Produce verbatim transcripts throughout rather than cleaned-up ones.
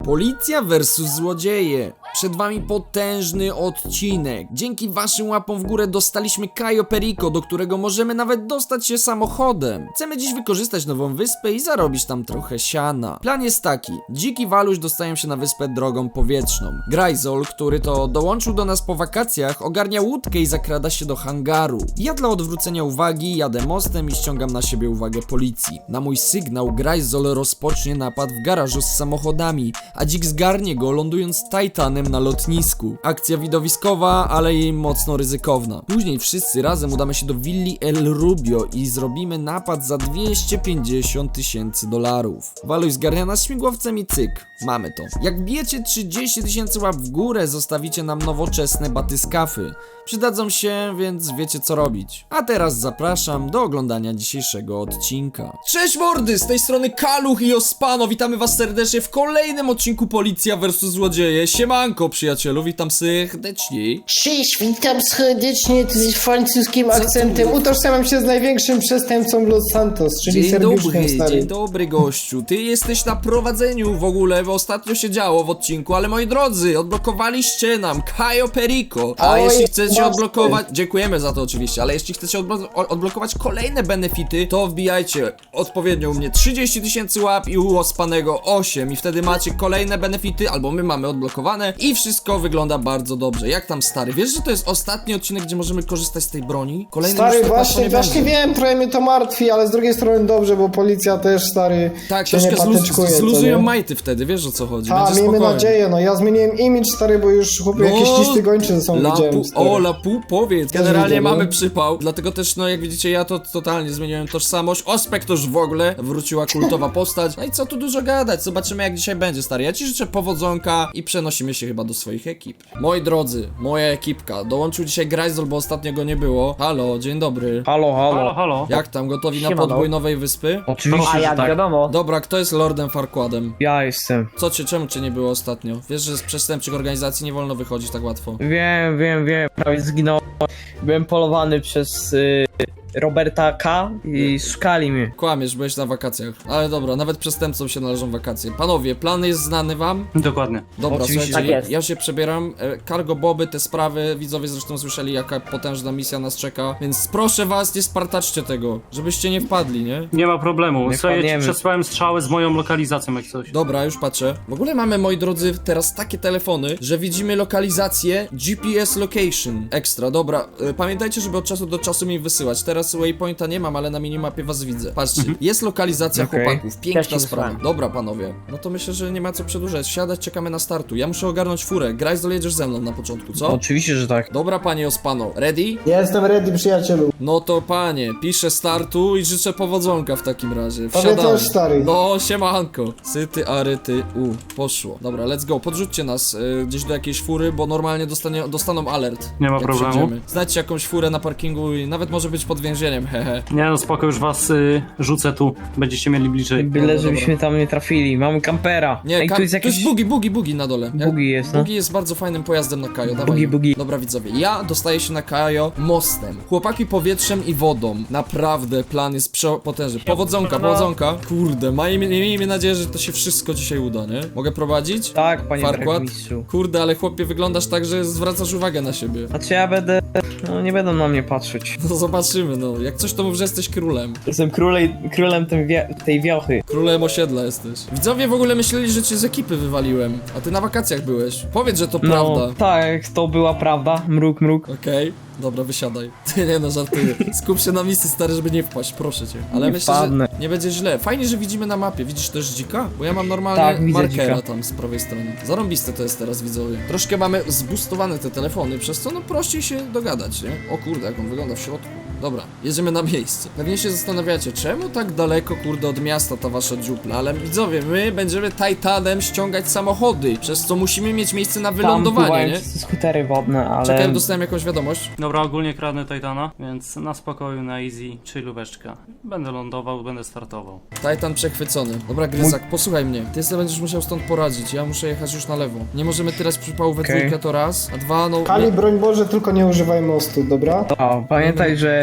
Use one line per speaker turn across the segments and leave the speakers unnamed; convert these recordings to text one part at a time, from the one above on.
Policja versus złodzieje. Przed wami potężny odcinek. Dzięki waszym łapom w górę dostaliśmy Cayo Perico, do którego możemy nawet dostać się samochodem. Chcemy dziś wykorzystać nową wyspę i zarobić tam trochę siana. Plan jest taki. Dziki Waluś dostają się na wyspę drogą powietrzną. Grajzol, który to dołączył do nas po wakacjach, ogarnia łódkę i zakrada się do hangaru. Ja dla odwrócenia uwagi jadę mostem i ściągam na siebie uwagę policji. Na mój sygnał Grajzol rozpocznie napad w garażu z samochodami, a dzik zgarnie go, lądując Titanem na lotnisku. Akcja widowiskowa, ale jej mocno ryzykowna. Później wszyscy razem udamy się do willi El Rubio i zrobimy napad za dwieście pięćdziesiąt tysięcy dolarów. Waluś zgarnia nas śmigłowcem i cyk, mamy to. Jak bijecie trzydzieści tysięcy łap w górę, zostawicie nam nowoczesne batyskafy. Przydadzą się, więc wiecie co robić. A teraz zapraszam do oglądania dzisiejszego odcinka. Cześć mordy, z tej strony Kaluch i Ospano, witamy was serdecznie w kolejnym odcinku Policja versus Złodzieje. Siemanko przyjacielu, witam serdecznie.
Cześć, witam serdecznie z francuskim akcentem. Utożsamiam się z największym przestępcą Los Santos, czyli
Dzień
Sergiuszkiem
dobry,
stary.
dzień dobry gościu. Ty jesteś na prowadzeniu w ogóle, bo ostatnio się działo w odcinku, ale moi drodzy, odblokowaliście nam Cayo Perico. A
Oj,
jeśli chcecie
właśnie.
odblokować, dziękujemy za to oczywiście, ale jeśli chcecie odblo odblokować kolejne benefity, to wbijajcie odpowiednio u mnie trzydzieści tysięcy łap i u Ospanego osiem i wtedy macie kolejne benefity, albo my mamy odblokowane i wszystko wygląda bardzo dobrze. Jak tam stary? Wiesz, że to jest ostatni odcinek, gdzie możemy korzystać z tej broni? Kolejny
Stary,
już tak łatwo
właśnie,
nie
właśnie
będzie.
wiem, trochę mnie to martwi, ale z drugiej strony dobrze, bo policja też, stary,
Tak,
się nie
troszkę zluz
patyczkuje.
zluzują majty wtedy, wiesz o co chodzi.
A,
Będzie
miejmy
spokojnie.
nadzieję, no ja zmieniłem imidż, stary, bo już chłopie jakieś listy gończe ze sobą
Lapu,
widziałem, stary.
o, Lapu, powiedz.
Też
Generalnie
widzę,
mamy
no.
przypał, dlatego też, no jak widzicie, ja to totalnie zmieniłem tożsamość. Ospek to już w ogóle wróciła kultowa postać. No i co tu dużo gadać, zobaczymy jak dzisiaj będzie, stary. Ja ci życzę powodzonka i przenosimy się chyba do swoich ekip. Moi drodzy, moja ekipka. Dołączył dzisiaj Grajzol, bo ostatnio go nie było. Halo, dzień dobry.
Halo, halo.
Halo, halo.
Jak tam, gotowi na
Siemano.
podbój nowej wyspy?
Oczywiście,
A
że
jak
tak.
wiadomo.
Dobra, kto jest Lordem Farquadem?
Ja jestem.
Co cię, czemu cię nie było ostatnio? Wiesz, że z przestępczych organizacji nie wolno wychodzić tak łatwo.
Wiem, wiem, wiem. Prawie zginąłem. Byłem polowany przez y, Roberta K. i szukali mnie.
Kłamiesz, byłeś na wakacjach. Ale dobra, nawet przestępcom się należą wakacje. Panowie, plan jest znany wam?
Dokładnie.
Dobra,
Oczywiście,
słuchajcie,
tak jest.
ja się przebieram. E, Cargo Boby, te sprawy, widzowie zresztą słyszeli, jaka potężna misja nas czeka. Więc proszę was, nie spartaczcie tego, żebyście nie wpadli, nie?
Nie ma problemu.
Nie
Słuchaj, ja ci
wpadniemy.
przesłałem strzały z moją lokalizacją jak coś.
Dobra, już patrzę. W ogóle mamy, moi drodzy, teraz takie telefony, że widzimy lokalizację G P S Location. Ekstra, dobra. E, pamiętajcie, żeby od czasu do czasu mi wysyłać. Teraz waypointa nie mam, ale na minimapie was widzę. Patrzcie, jest lokalizacja
Okej.
chłopaków.
Też
Piękna
ci
sprawa.
wysłałem.
Dobra, panowie. No to myślę, że nie ma co przedłużać. Siadać, czekamy na startu. Ja muszę ogarnąć furę. Grajzol, jedziesz ze mną na początku, co?
Oczywiście, że tak.
Dobra, panie Ospano. Ready?
Ja jestem ready, przyjacielu.
No to panie, piszę startu i życzę powodzonka w takim razie.
Tobie
Wsiadamy.
też, stary.
No, siemanko. Syty, aryty, u. Poszło. Dobra, let's go. Podrzućcie nas y, gdzieś do jakiejś fury, bo normalnie dostanie, dostaną alert.
Nie ma
jak
problemu.
wsiądziemy. Znajdźcie jakąś furę na parkingu i nawet może być pod więzieniem, hehe.
Nie no spoko, już was y, rzucę tu. Będziecie mieli bliżej.
Byle,
Dobra,
żebyśmy tam nie trafili. Mamy kampera.
Nie,
Ej,
kam-
tu jest
tu
jakiś...
jest bugi, bugi, bugi na dole. Jak-
Bugi jest, no.
Bugi jest bardzo fajnym pojazdem na Cayo, dawaj.
Bugi, bugi.
Dobra widzowie, ja dostaję się na Cayo mostem. Chłopaki powietrzem i wodą. Naprawdę, plan jest przepotężny. Powodzonka, powodzonka. Kurde, miejmy, miejmy nadzieję, że to się wszystko dzisiaj uda, nie? Mogę prowadzić?
Tak, panie
Farquad?
burmistrzu.
Kurde, ale chłopie, wyglądasz tak, że zwracasz uwagę na siebie.
Znaczy ja będę... No nie będą na mnie patrzeć.
No zobaczymy, no. Jak coś to mów, że jesteś królem.
Jestem królej, królem tej, wie, tej wiochy.
Królem osiedla jesteś. Widzowie w ogóle myśleli, że cię z ekipy wywaliłem, a ty na wakacjach byłeś. Powiedz, że to
No,
prawda.
tak, to była prawda. Mruk, mruk.
Okej, dobra, wysiadaj. Ty nie no, żartuję. Skup się na misji, stary, żeby nie wpaść, proszę cię. Ale
Nie
myślę,
wpadnę.
że nie będzie źle. Fajnie, że widzimy na mapie. Widzisz też dzika? Bo ja mam normalnie
Tak, widzę
markera
dzika.
tam z prawej strony. Zarąbiste to jest teraz, widzowie. Troszkę mamy zboostowane te telefony, przez co no prościej się dogadać, nie? O kurde, jak on wygląda w środku. Dobra, jedziemy na miejsce. Pewnie się zastanawiacie, czemu tak daleko, kurde, od miasta ta wasza dziupla, ale widzowie, my będziemy Titanem ściągać samochody, przez co musimy mieć miejsce na
Tam
wylądowanie,
pływają
nie?
wszyscy skutery wodne, ale...
Czekaj, dostałem jakąś wiadomość.
Dobra, ogólnie kradnę Titana, więc na spokoju, na easy, chillóweczka. Będę lądował, będę startował.
Titan przechwycony. Dobra, Gryzak, posłuchaj mnie. Ty sobie będziesz musiał stąd poradzić, ja muszę jechać już na lewo. Nie możemy tyrać przypału we
Okej.
dwójkę, to raz, a dwa, no...
Kali, broń Boże, tylko nie używaj mostu, dobra?
O, pamiętaj, że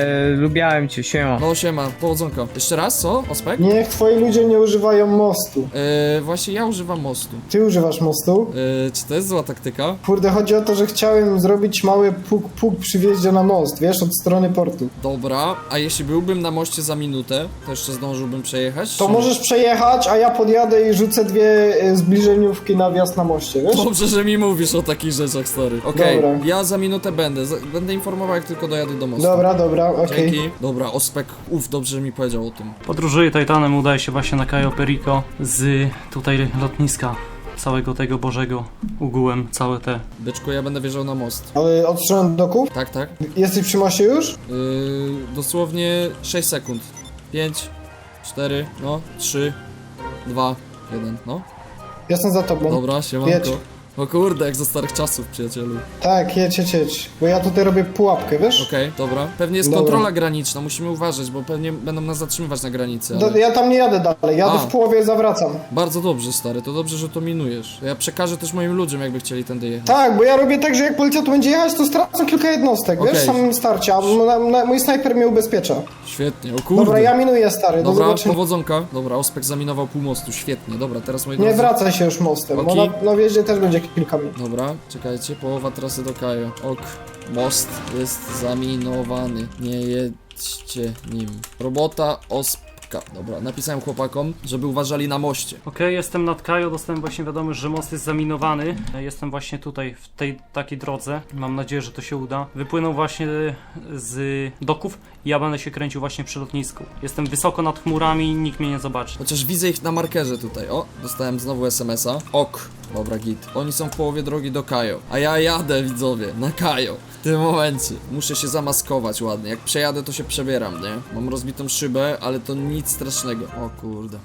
lubiałem cię, siema.
No siema, powodzonka. Jeszcze raz, co? Ospek?
Niech twoi ludzie nie używają mostu.
Yy, właśnie ja używam mostu.
Ty używasz mostu?
Yy, czy to jest zła taktyka?
Kurde, chodzi o to, że chciałem zrobić mały puk-puk przy wjeździe na most, wiesz, od strony portu.
Dobra, a jeśli byłbym na moście za minutę, to jeszcze zdążyłbym przejechać?
To
czy-
możesz przejechać, a ja podjadę i rzucę dwie e, zbliżeniówki na wjazd na moście, wiesz?
Dobrze, że mi mówisz o takich rzeczach, stary. Okej,
Dobra.
ja za minutę będę. Za- będę informował, jak tylko dojadę do mostu.
Dobra, dobra, okej.
Dzięki. Dobra, Ospek, uf, dobrze, że mi powiedział o tym.
Podróżuję Titanem, udaje się właśnie na Cayo Perico z tutaj lotniska. Całego tego Bożego ogółem, całe te.
Byczku, ja będę wjeżdżał na most.
Ale od strony doków?
Tak, tak.
Jesteś przy moście już?
Yy, dosłownie sześć sekund. pięć, cztery, no, trzy, dwa, jeden, no.
Jestem za tobą.
Dobra, siemanko.
Jedź.
O kurde, jak za starych czasów, przyjacielu.
Tak, jedź, jedź, jedź. Bo ja tutaj robię pułapkę, wiesz?
Okej, dobra. Pewnie jest
Dobra.
kontrola graniczna, musimy uważać, bo pewnie będą nas zatrzymywać na granicy.
Do,
Ale...
ja tam nie jadę dalej, jadę
A.
w połowie, zawracam.
Bardzo dobrze, stary, to dobrze, że to minujesz. Ja przekażę też moim ludziom, jakby chcieli tędy jechać.
Tak, bo ja robię tak, że jak policja tu będzie jechać, to stracą kilka jednostek, wiesz,
Okej.
w samym starcie, a na, na, mój snajper mnie ubezpiecza.
Świetnie, o kurde.
Dobra, ja minuję, stary, do
Dobra,
zobaczenia.
powodzonka. Dobra, Ospek zaminował pół mostu, świetnie. Dobra, teraz moi
Nie
drodzy...
wracaj się już mostem, bo
Okej.
na, na wjeździe też będzie kilka minut.
Dobra, czekajcie, połowa trasy do Kajo. Ok, most jest zaminowany. Nie jedźcie nim. Robota Ospka. Dobra, napisałem chłopakom, żeby uważali na moście.
Okej, jestem nad Cayo, dostałem właśnie wiadomość, że most jest zaminowany. Jestem właśnie tutaj, w tej takiej drodze. Mam nadzieję, że to się uda. Wypłynął właśnie z doków i ja będę się kręcił właśnie przy lotnisku. Jestem wysoko nad chmurami, nikt mnie nie zobaczy.
Chociaż widzę ich na markerze tutaj. O, dostałem znowu es em es a. Ok, dobra, git. Oni są w połowie drogi do Kajo. A ja jadę, widzowie, na Kajo. W tym momencie. Muszę się zamaskować ładnie. Jak przejadę, to się przebieram, nie? Mam rozbitą szybę, ale to nic strasznego. O kurde.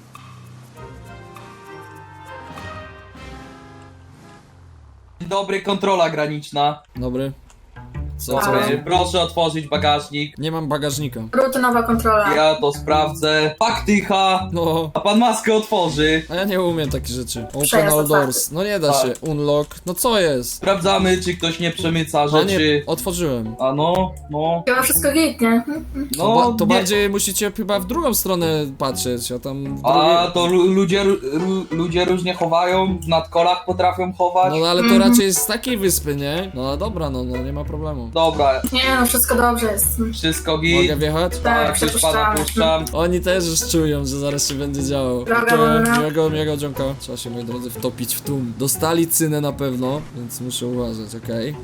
Dzień dobry, kontrola graniczna.
Dobry. Co, co?
Ale-
chodzi?
Proszę otworzyć bagażnik.
Nie mam bagażnika.
Rutynowa kontrola.
Ja to sprawdzę. Faktycha.
No,
A pan maskę otworzy.
a ja nie umiem takich rzeczy. Open
Przejazd
all
otwarty.
doors. No nie da
Tak.
się. Unlock. No co jest?
Sprawdzamy, czy ktoś nie przemyca
No nie,
rzeczy.
otworzyłem.
A no, no.
Chyba wszystko git, nie?
To,
No,
ba to
nie.
bardziej musicie chyba w drugą stronę patrzeć, a tam w
A
drugiej...
to lu ludzie, ru ludzie różnie chowają, w nadkolach potrafią chować.
No ale to
Mhm.
raczej jest z takiej wyspy, nie? No dobra, no, no nie ma problemu.
Dobra,
Nie no, wszystko dobrze jest.
wszystko git.
Mogę wjechać?
Tak,
Tak, już pana
przepuszczamy.
puszczam.
Oni też już czują, że zaraz się będzie działo.
Droga
Dziękuję.
wolna.
Miłego, miłego dzionka. Trzeba się, moi drodzy, wtopić w tłum. Dostali cynę na pewno, więc muszę uważać, okej?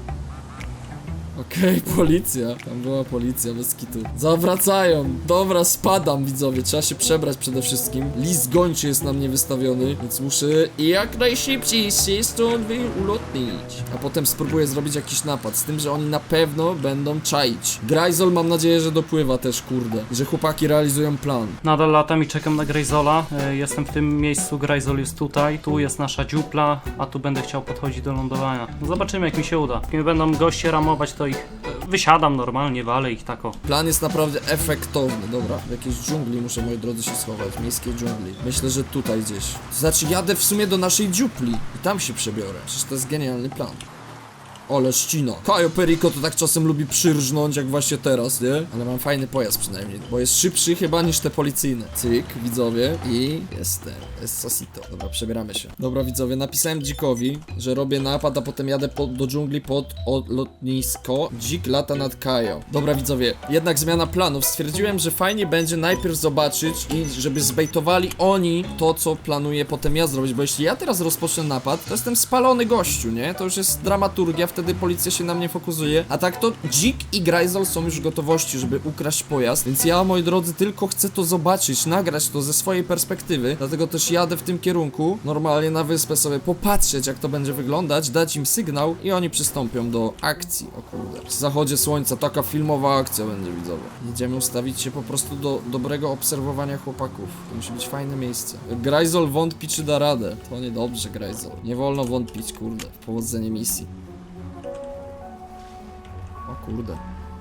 Okej, policja. Tam była policja, bez kitu. Zawracają. Dobra, spadam, widzowie. Trzeba się przebrać przede wszystkim. List gończy jest na mnie wystawiony, więc muszę jak najszybciej się stąd ulotnić. A potem spróbuję zrobić jakiś napad, z tym, że oni na pewno będą czaić. Grajzol mam nadzieję, że dopływa też, kurde. I że chłopaki realizują plan.
Nadal latam i czekam na Grayzola. E, Jestem w tym miejscu, Grayzol jest tutaj. Tu jest nasza dziupla, a tu będę chciał podchodzić do lądowania. No zobaczymy, jak mi się uda. Jak mnie będą goście ramować, to ich e, wysiadam normalnie, walę ich tako.
Plan jest naprawdę efektowny. Dobra, w jakiejś dżungli muszę, moi drodzy, się schować. Miejskiej dżungli. Myślę, że tutaj gdzieś. To znaczy, jadę w sumie do naszej dziupli i tam się przebiorę. Przecież to jest genialny plan. Ole ścina. Cayo Perico to tak czasem lubi przyrżnąć, jak właśnie teraz, nie? Ale mam fajny pojazd przynajmniej, bo jest szybszy chyba niż te policyjne. Cyk, widzowie. I jestem. Jest Sosito. Dobra, przebieramy się. Dobra, widzowie, napisałem Dzikowi, że robię napad, a potem jadę po, do dżungli pod o, lotnisko. Dzik lata nad Cayo. Dobra, widzowie, jednak zmiana planów. Stwierdziłem, że fajnie będzie najpierw zobaczyć i żeby zbejtowali oni to, co planuję potem ja zrobić, bo jeśli ja teraz rozpocznę napad, to jestem spalony gościu, nie? To już jest dramaturgia, wtedy policja się na mnie fokusuje, a tak to Dzik i Grajzol są już w gotowości, żeby ukraść pojazd, więc ja, moi drodzy, tylko chcę to zobaczyć, nagrać to ze swojej perspektywy, dlatego też jadę w tym kierunku, normalnie na wyspę sobie popatrzeć, jak to będzie wyglądać, dać im sygnał i oni przystąpią do akcji. O kurde, w zachodzie słońca taka filmowa akcja będzie, widzowie. Jedziemy ustawić się po prostu do dobrego obserwowania chłopaków. To musi być fajne miejsce. Grajzol wątpi, czy da radę. To niedobrze, Grajzol. Nie wolno wątpić, kurde, w powodzenie misji. O kurde.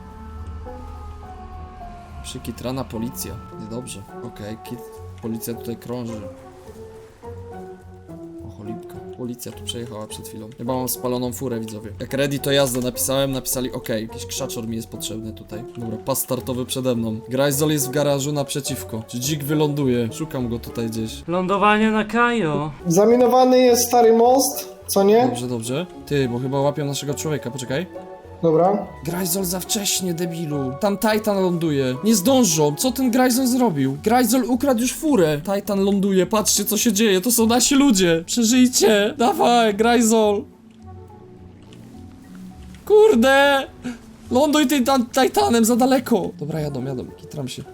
Przykitrana policja. Niedobrze. Okej, okay, kit. Policja tutaj krąży. O cholipka. Policja tu przejechała przed chwilą. Chyba mam spaloną furę, widzowie. Jak ready to jazda napisałem, napisali ok. Jakiś krzaczor mi jest potrzebny tutaj. Dobra, pas startowy przede mną. Grajzol jest w garażu naprzeciwko. Czy dzik wyląduje? Szukam go tutaj gdzieś.
Lądowanie na Kajo.
Zaminowany jest stary most, co nie?
Dobrze, dobrze. Ty, bo chyba łapią naszego człowieka, poczekaj.
Dobra.
Grajzol za wcześnie, debilu. Tam Titan ląduje. Nie zdążą. Co ten Grajzol zrobił? Grajzol ukradł już furę. Titan ląduje. Patrzcie, co się dzieje. To są nasi ludzie. Przeżyjcie. Dawaj, Grajzol. Kurde. Ląduj tym tam Titanem za daleko. Dobra, jadą, jadą. Kitram się.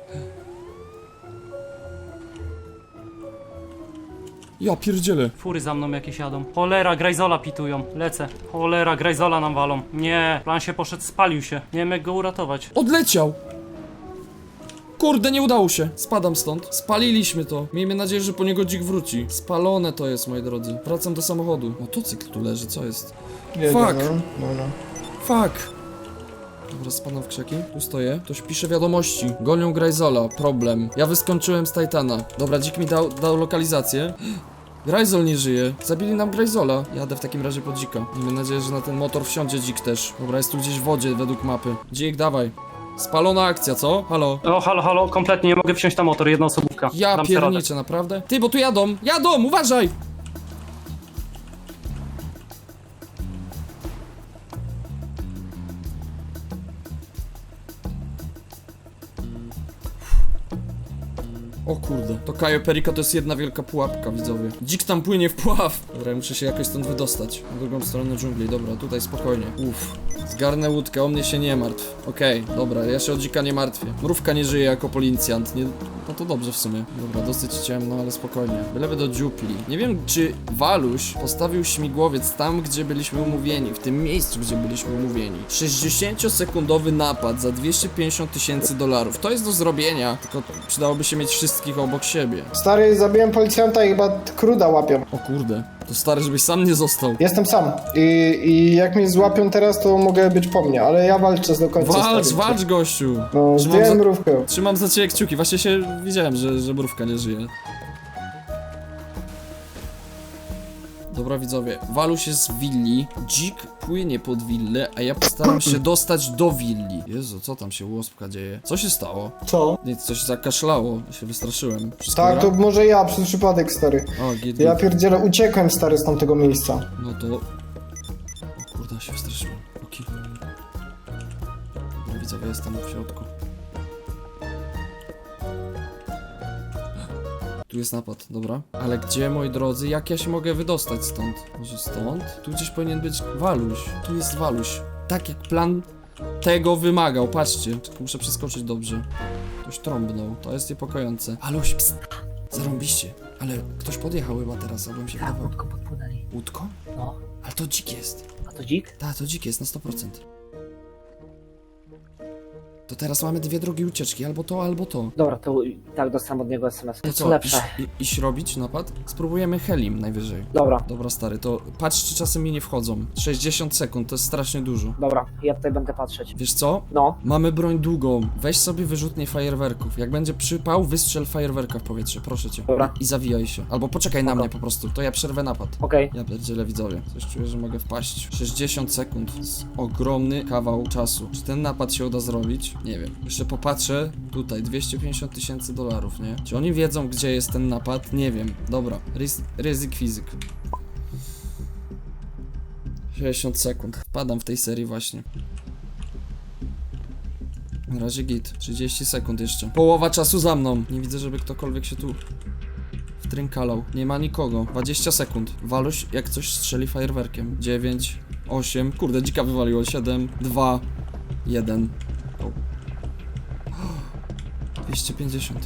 Ja pierdzielę.
Fury za mną jakieś jadą. Cholera, Grajzola pitują. Lecę. Cholera, Grajzola nam walą. Nie, plan się poszedł, spalił się. Nie wiem jak go uratować.
Odleciał. Kurde, nie udało się. Spadam stąd. Spaliliśmy to. Miejmy nadzieję, że po niego dzik wróci. Spalone to jest, moi drodzy. Wracam do samochodu. Motocykl tu leży, co jest?
Jedzie,
Fuck.
No, no, no.
Fuck. Dobra, spadam w krzaki. Tu stoję. Ktoś pisze wiadomości. Gonią Grajzola. Problem. Ja wyskoczyłem z Titana. Dobra, dzik mi dał, dał lokalizację. Grajzol nie żyje. Zabili nam Grajzola. Jadę w takim razie po dzika. Miejmy nadzieję, że na ten motor wsiądzie dzik też. Dobra, jest tu gdzieś w wodzie według mapy. Dzik, dawaj. Spalona akcja, co? Halo?
O, halo, halo, kompletnie nie mogę wsiąść na motor, jedna osobówka.
Ja
Dam sobie radę.
pierniczę, naprawdę? Ty, bo tu jadą! Jadą, uważaj! O kurde, to Cayo Perico to jest jedna wielka pułapka, widzowie. Dzik tam płynie w pław. Dobra, ja muszę się jakoś stąd wydostać. Na drugą stronę dżungli, dobra, tutaj spokojnie. Uff, zgarnę łódkę, o mnie się nie martw. Okej, okay, dobra, ja się o dzika nie martwię. Mrówka nie żyje jako policjant, nie... No to dobrze w sumie. Dobra, dosyć ciemno, ale spokojnie. Byleby do dziupli. Nie wiem, czy Waluś postawił śmigłowiec tam, gdzie byliśmy umówieni, w tym miejscu, gdzie byliśmy umówieni. sześćdziesięciosekundowy napad za dwieście pięćdziesiąt tysięcy dolarów. To jest do zrobienia, tylko przydałoby się mieć wszystkich obok siebie.
Stary, zabiłem policjanta i chyba kruda łapią.
O kurde, to stary, żebyś sam nie został.
Jestem sam. I, I jak mnie złapią teraz, to mogę być po mnie, ale ja walczę do końca.
Walcz,
stary.
walcz, gościu!
No,
Trzymam
zdjąłem
za-
mrówkę.
Trzymam za ciebie kciuki, właśnie się widziałem, że, że mrówka nie żyje. Dobra, widzowie, Waluś jest w willi, dzik płynie pod willę, a ja postaram się dostać do willi. Jezu, co tam się u łospka dzieje? Co się stało?
Co?
Nic, coś zakaszlało, ja się wystraszyłem. Wszystko
Tak,
gra?
to może ja, przez przypadek, stary.
O, git,
Ja
git.
pierdzielę, uciekłem, stary, z tamtego miejsca.
No to... O kurde, się wystraszyłem. Oki. No, widzowie, jestem w środku. Tu jest napad, dobra. Ale gdzie, moi drodzy, jak ja się mogę wydostać stąd? Może stąd? Tu gdzieś powinien być Waluś. Tu jest Waluś. Tak jak plan tego wymagał, patrzcie. Tylko muszę przeskoczyć dobrze. Ktoś trąbnął, to jest niepokojące. Waluś, pst. Zarąbiście. Ale ktoś podjechał chyba teraz, albo mi się
Tak,
wydawało.
łódką podpłynęli.
Łódką?
No.
Ale to dzik jest.
A to dzik?
Tak, to dzik jest na sto procent. To teraz mamy dwie drogi ucieczki, albo to, albo to.
Dobra, to i tak dostałem od niego es em es.
To
Co
co,
lepsze?
iść, i- iść robić napad? Spróbujemy Helim najwyżej.
Dobra,
Dobra, stary, to patrz, czy czasem mi nie wchodzą. sześćdziesiąt sekund, to jest strasznie dużo.
dobra, ja tutaj będę patrzeć.
Wiesz co?
No,
Mamy broń długą. Weź sobie wyrzutnie fajerwerków. Jak będzie przypał, wystrzel fajerwerka w powietrze, proszę cię.
Dobra.
I zawijaj się. Albo poczekaj na
Spoko.
mnie po prostu, to ja przerwę napad.
okej.
Ja pierdzielę, widzowie. Coś czuję, że mogę wpaść. sześćdziesiąt sekund. To jest ogromny kawał czasu. Czy ten napad się uda zrobić? Nie wiem. Jeszcze popatrzę. Tutaj dwieście pięćdziesiąt tysięcy dolarów, nie? Czy oni wiedzą, gdzie jest ten napad? Nie wiem. Dobra. Ryz ryzyk fizyk. sześćdziesiąt sekund. Wpadam w tej serii właśnie. Na razie git. trzydzieści sekund jeszcze. Połowa czasu za mną. Nie widzę, żeby ktokolwiek się tu wtrynkalał. Nie ma nikogo. dwadzieścia sekund. Waluś jak coś strzeli fajerwerkiem. dziewięć, osiem. Kurde, dzika wywaliło. siedem, dwa, jeden. O. dwieście pięćdziesiąt.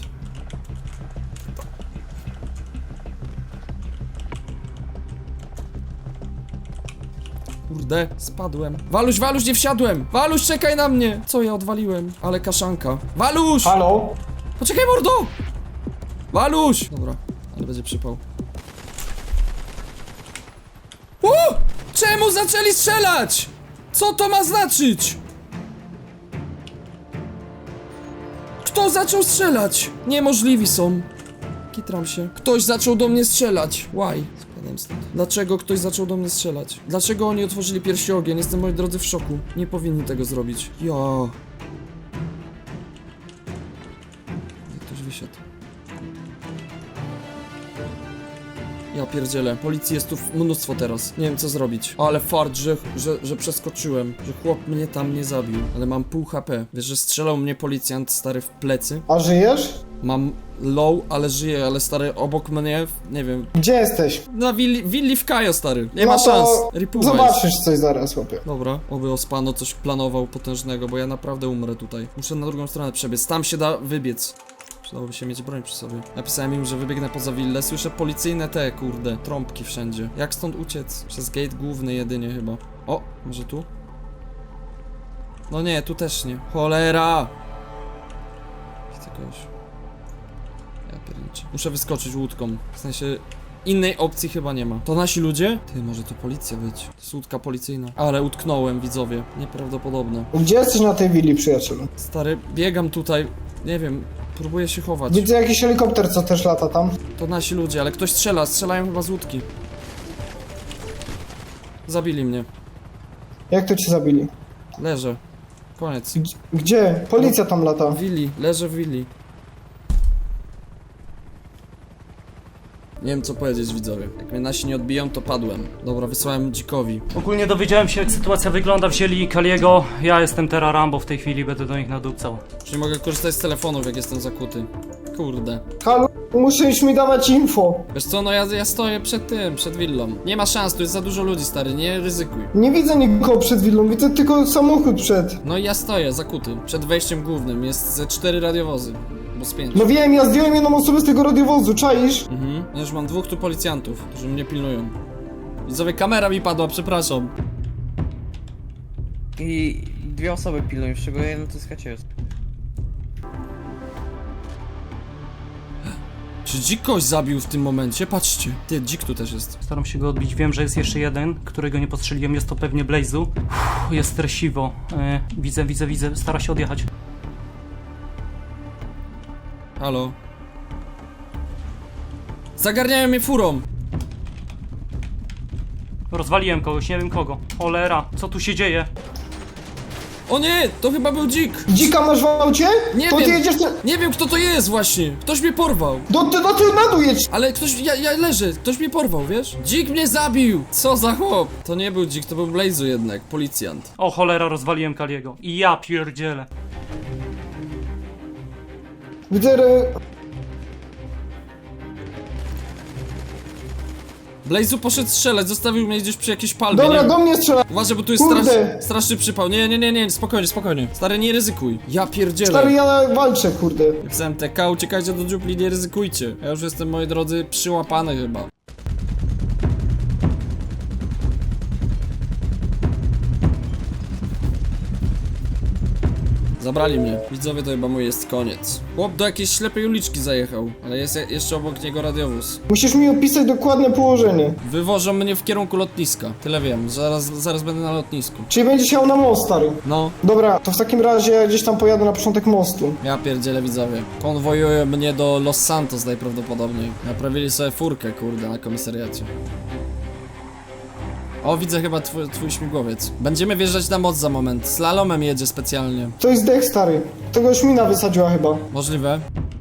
Kurde, spadłem. Waluś, Waluś, nie wsiadłem! Waluś, czekaj na mnie! Co ja odwaliłem? Ale kaszanka. Waluś!
Halo?
Poczekaj, mordo! Waluś! Dobra, ale będzie przypał. O! Czemu zaczęli strzelać? Co to ma znaczyć? Kto zaczął strzelać? Niemożliwi są. Kitram się. Ktoś zaczął do mnie strzelać. Why? Jadam stąd. Dlaczego ktoś zaczął do mnie strzelać? Dlaczego oni otworzyli pierwszy ogień? Jestem, moi drodzy, w szoku. Nie powinni tego zrobić. Ja. Ktoś wysiadł. Ja pierdzielę. Policji jest tu mnóstwo teraz. Nie wiem co zrobić. Ale fart, że, że, że przeskoczyłem. Że chłop mnie tam nie zabił. Ale mam pół H P. Wiesz, że strzelał mnie policjant stary w plecy?
A żyjesz?
Mam low, ale żyję, ale stary obok mnie, nie wiem.
Gdzie jesteś?
Na willi, willi w Kajo, stary. Nie
No
ma
to
szans. Ripuwa jest.
Zobaczysz coś zaraz, chłopie.
Dobra, oby Ospano coś planował potężnego, bo ja naprawdę umrę tutaj. Muszę na drugą stronę przebiec. Tam się da wybiec. Przydałoby się mieć broń przy sobie. Napisałem im, że wybiegnę poza willę. Słyszę policyjne te, kurde, trąbki wszędzie. Jak stąd uciec? Przez gate główny jedynie chyba. O, może tu? No nie, tu też nie. Cholera! Chcę kogoś. Ja pierniczę. Muszę wyskoczyć łódką. W sensie... Innej opcji chyba nie ma. To nasi ludzie? Ty, może to policja być. To jest łódka policyjna. Ale utknąłem, widzowie. Nieprawdopodobne.
Gdzie jesteś na tej willi, przyjacielu?
Stary, biegam tutaj. Nie wiem, próbuję się chować.
Widzę jakiś helikopter, co też lata tam.
To nasi ludzie, ale ktoś strzela. Strzelają chyba z łódki. Zabili mnie.
Jak to cię zabili?
Leżę. Koniec.
G- Gdzie? Policja tam lata.
W willi. Leżę w willi. Nie wiem co powiedzieć, widzowie. Jak mnie nasi nie odbiją, to padłem. Dobra, wysłałem dzikowi.
Ogólnie dowiedziałem się, jak sytuacja wygląda, wzięli Kaliego. Ja jestem teraz Rambo w tej chwili, będę do nich nadupcał.
Już nie mogę korzystać z telefonów, jak jestem zakuty. Kurde.
Halo, musisz mi dawać info.
Wiesz co, no ja, ja stoję przed tym, przed willą. Nie ma szans, tu jest za dużo ludzi, stary, nie ryzykuj.
Nie widzę nikogo przed willą, widzę tylko samochód przed.
No i ja stoję, zakuty. Przed wejściem głównym jest ze cztery radiowozy. Bo z pięć.
No wiem, ja zdjąłem jedną osobę z tego radiowozu, czaisz?
Mhm. Ja już mam dwóch tu policjantów, którzy mnie pilnują. Widzowie, kamera mi padła, przepraszam.
I dwie osoby pilnują, z czego jeden to jest Haciers.
Czy dzik kogoś zabił w tym momencie? Patrzcie. Ty, dzik tu też jest.
Staram się go odbić, wiem, że jest jeszcze jeden, którego nie postrzeliłem, jest to pewnie Blaze'u. Uff, jest stresiwo. E, widzę, widzę, widzę, stara się odjechać.
Halo? Zagarniają mnie furą!
Rozwaliłem kogoś, nie wiem kogo. Cholera, co tu się dzieje?
O nie! To chyba był dzik!
Dzika masz w aucie?
Nie
to
wiem.
ty jedziesz na...
Nie wiem kto to jest właśnie! Ktoś mnie porwał!
Do, do, do tyłu na dół jedź!
Ale ktoś, ja, ja leżę, ktoś mnie porwał, wiesz? Dzik mnie zabił! Co za chłop? To nie był dzik, to był Blaze'u jednak, policjant.
O cholera, rozwaliłem Kaliego. I ja pierdzielę.
Widzę... re-
Blaze'u poszedł strzelać, zostawił mnie gdzieś przy jakiejś palmie.
Dobra,
nie...
do mnie strzela.
Uważaj, bo tu jest
Kurde.
strasz, straszny przypał. Nie, nie, nie, nie, spokojnie, spokojnie. Stary, nie ryzykuj. Ja pierdzielę.
Stary, ja walczę, kurde.
Z M T K, uciekajcie do dziupli, nie ryzykujcie. Ja już jestem, moi drodzy, przyłapany chyba. Zabrali mnie. Widzowie, to chyba mój jest koniec. Chłop do jakiejś ślepej uliczki zajechał, ale jest je- jeszcze obok niego radiowóz.
Musisz mi opisać dokładne położenie.
Wywożą mnie w kierunku lotniska. Tyle wiem, zaraz, zaraz będę na lotnisku.
Czyli będziesz jechał na most, stary.
No,
Dobra, to w takim razie ja gdzieś tam pojadę na początek mostu.
ja pierdzielę, widzowie. Konwojują mnie do Los Santos najprawdopodobniej. Naprawili sobie furkę, kurde, na komisariacie. O, widzę chyba twój, twój śmigłowiec. Będziemy wjeżdżać na most za moment. Slalomem jedzie specjalnie.
To jest dech, stary. Tego już mina wysadziła chyba.
Możliwe.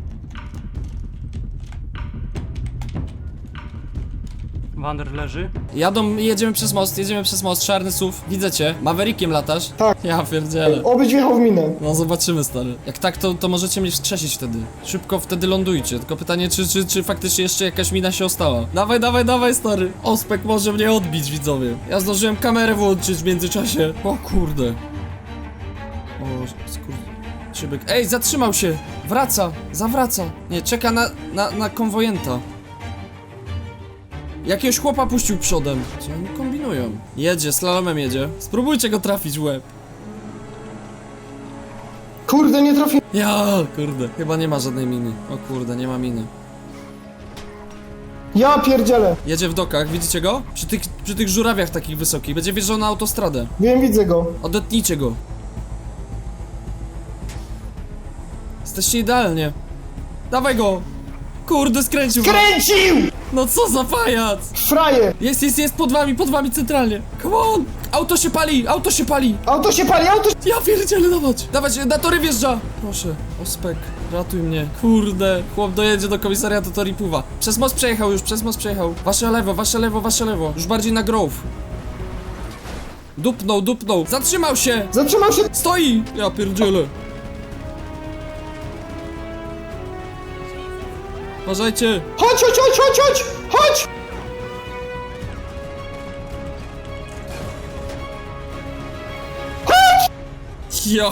Wander leży.
Jadą, jedziemy przez most, jedziemy przez most, czarny S U V. Widzę cię. Maverickiem latasz?
Tak.
Ja pierdzielę.
Obyć wjechał w minę.
No zobaczymy, stary. Jak tak, to, to możecie mnie wskrzesić wtedy. Szybko wtedy lądujcie. Tylko pytanie, czy, czy, czy faktycznie jeszcze jakaś mina się ostała. Dawaj, dawaj, dawaj, stary. Ospek może mnie odbić, widzowie. Ja zdążyłem kamerę włączyć w międzyczasie. O kurde. O, skur... Szybek. Ej, zatrzymał się. Wraca, zawraca. Nie, czeka na, na, na konwojenta. Jakiegoś chłopa puścił przodem. Co oni kombinują? Jedzie, slalomem jedzie. Spróbujcie go trafić w łeb.
Kurde, nie trafi.
Ja, kurde. Chyba nie ma żadnej miny. O kurde, nie ma miny.
Ja pierdzielę.
Jedzie w dokach, widzicie go? Przy tych, przy tych żurawiach takich wysokich. Będzie wjeżdżał na autostradę.
Wiem, widzę go.
Odetnijcie go. Jesteście idealnie. Dawaj go. Kurde, skręcił!
Kręcił!
No co za pajac!
Frajer!
Jest, jest, jest, pod wami, pod wami centralnie! Come on! Auto się pali, auto się pali!
Auto się pali, auto się...
Ja pierdzielę, dawać! Dawać, na tory wjeżdża! Proszę, ospek, ratuj mnie. Kurde, chłop dojedzie do komisariatu Toripuwa. Przez most przejechał już, przez most przejechał. Wasze lewo, wasze lewo, wasze lewo. Już bardziej na Grove. Dupnął, dupnął. Zatrzymał się!
Zatrzymał się...
Stoi! Ja pierdzielę. Uważajcie!
Chodź, chodź, chodź, chodź, chodź! Chodź!
Ja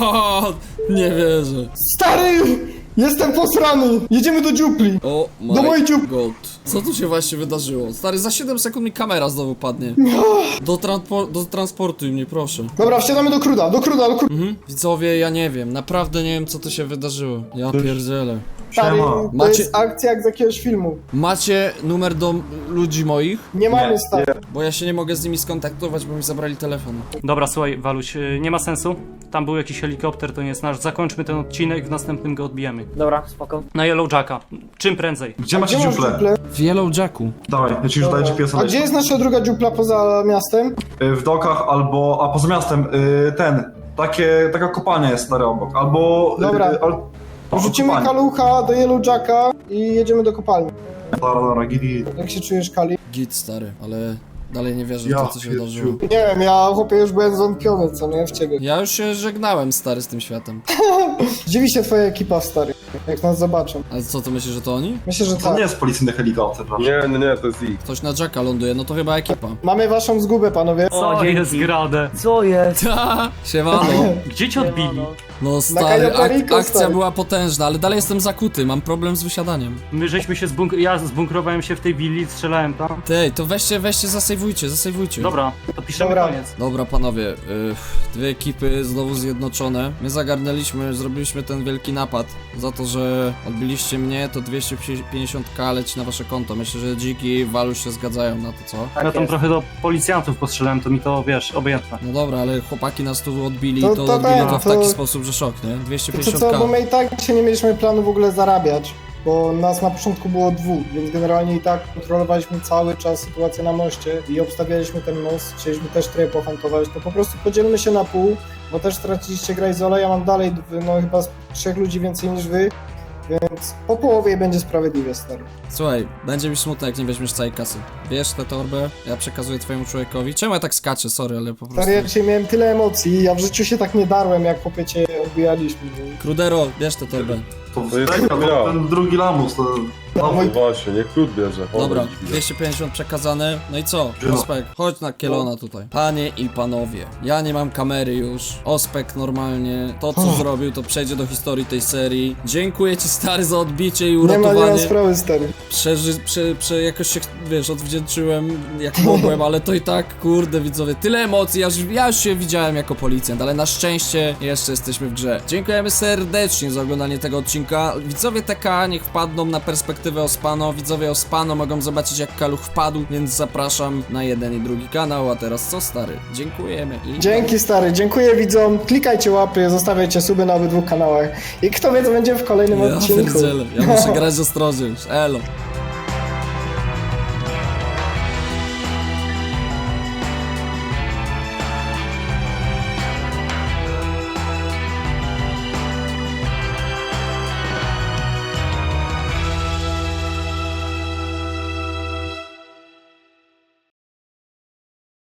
nie wierzę.
Stary! Jestem posrany! Jedziemy do dziupli!
O my
Do mojej dziupli.
god. Co tu się właśnie wydarzyło? Stary, za siedem sekund mi kamera znowu padnie. Do, transpor do transportuj mnie, proszę.
Dobra, wsiadamy do Kruda, do Kruda, do Kruda.
Mhm. Widzowie, ja nie wiem, naprawdę nie wiem co tu się wydarzyło. Ja pierdzielę.
Stary, to
Macie-
jest akcja jak z jakiegoś filmu.
Macie numer do ludzi moich?
Nie mamy, stary.
Bo ja się nie mogę z nimi skontaktować, bo mi zabrali telefon.
Dobra, słuchaj, Waluś, y, nie ma sensu. Tam był jakiś helikopter, to nie jest nasz. Zakończmy ten odcinek, w następnym go odbijemy.
Dobra, spoko.
Na Yellow Jacka. Czym prędzej.
Gdzie macie
Gdzie masz
dziuplę?
dziuplę?
W Yellow Jacku.
Dawaj, ja ci już daję G P S-a.
A gdzie jest nasza druga dziupla poza miastem?
W dokach albo, a poza miastem, y, ten, takie, taka kopalnia jest stary obok, albo...
Dobra.
Y, al, o,
Wrzucimy
kopalnia.
kalucha do Yellow Jacka i jedziemy do kopalni.
Dobra, dobra, gidi.
Jak się czujesz, Kali?
Git, stary, ale dalej nie wierzę w
Ja
to, co się
pierdziu.
wydarzyło.
Nie wiem, ja chłopie już byłem zwątpiony, co nie, w ciebie.
Ja już się żegnałem, stary, z tym światem.
Zdziwi się twoja ekipa, stary, jak nas zobaczą.
Ale co, to myślisz, że to oni?
Myślę, że
To
tak.
nie jest policyjny helikopter, proszę.
Nie, nie, nie, to jest ich.
Ktoś na Jacka ląduje, no to chyba ekipa.
Mamy waszą zgubę, panowie.
Co
O, dzięki.
jest grane?
Co jest?
Ta, siemano.
Gdzie cię odbili?
No
Na
stary,
Cayo
ak
Perico,
akcja
stary.
była potężna, ale dalej jestem zakuty, mam problem z wysiadaniem.
My żeśmy się zbunk... Ja zbunkrowałem się w tej willi, strzelałem tam.
Tej, to weźcie, weźcie, zasejwujcie, zasejwujcie.
Dobra, to piszemy
Dobra.
koniec.
Dobra panowie, y, dwie ekipy znowu zjednoczone. My zagarnęliśmy, zrobiliśmy ten wielki napad. Za to, że odbiliście mnie, to dwieście pięćdziesiąt ka leci na wasze konto. Myślę, że Dziki i Waluś się zgadzają na to, co?
Tak
Ja tam
jest.
trochę do policjantów postrzelałem, to mi to, wiesz, obojętne.
No dobra, ale chłopaki nas tu odbili,
To-
to,
to
odbili
tak,
to w
to-
taki sposób, że szok, nie? dwieście
To
pięćdziesiąt
co,
ka.
bo my i tak się nie mieliśmy planu w ogóle zarabiać, bo nas na początku było dwóch, więc generalnie i tak kontrolowaliśmy cały czas sytuację na moście i obstawialiśmy ten most, chcieliśmy też trochę pohantować, to po prostu podzielmy się na pół, bo też straciliście Grayzola, ja mam dalej no chyba z trzech ludzi więcej niż wy, więc po połowie będzie sprawiedliwie, stary.
Słuchaj, będzie mi smutno, jak nie weźmiesz całej kasy. Bierz tę torbę, ja przekazuję twojemu człowiekowi. Czemu ja tak skaczę, sorry, ale po prostu...
Stary, ja dzisiaj miałem tyle emocji, ja w życiu się tak nie darłem, jak chłopie cię odbijaliśmy.
Krudero, bierz tę torbę.
To
To jest
wsteka,
ja.
to ten drugi lamus, to...
No właśnie, niech krót bierze. O,
Dobra,
widzę.
dwieście pięćdziesiąt przekazane. No i co?
Dzień.
Ospek, chodź na Kielona tutaj. Panie i panowie, ja nie mam kamery już. Ospek normalnie, to co zrobił, to przejdzie do historii tej serii. Dziękuję ci stary za odbicie i
Nie ma, nie ma
uratowanie.
sprawy, stary.
Przeży, prze, prze, jakoś się, wiesz, odwdzięczyłem jak mogłem, ale to i tak, kurde widzowie, tyle emocji, ja już, ja już się widziałem jako policjant, ale na szczęście jeszcze jesteśmy w grze. Dziękujemy serdecznie za oglądanie tego odcinka. Widzowie T K niech wpadną na perspektywę Ospano, widzowie Ospano mogą zobaczyć jak Kaluch wpadł, więc zapraszam na jeden i drugi kanał, a teraz co stary? Dziękujemy i...
Dzięki, stary, dziękuję widzom, klikajcie łapy, zostawiajcie suby na obydwu kanałach i kto wie co będzie w kolejnym
Ja
odcinku.
pierdzielę, ja muszę grać ostrożnie już, elo.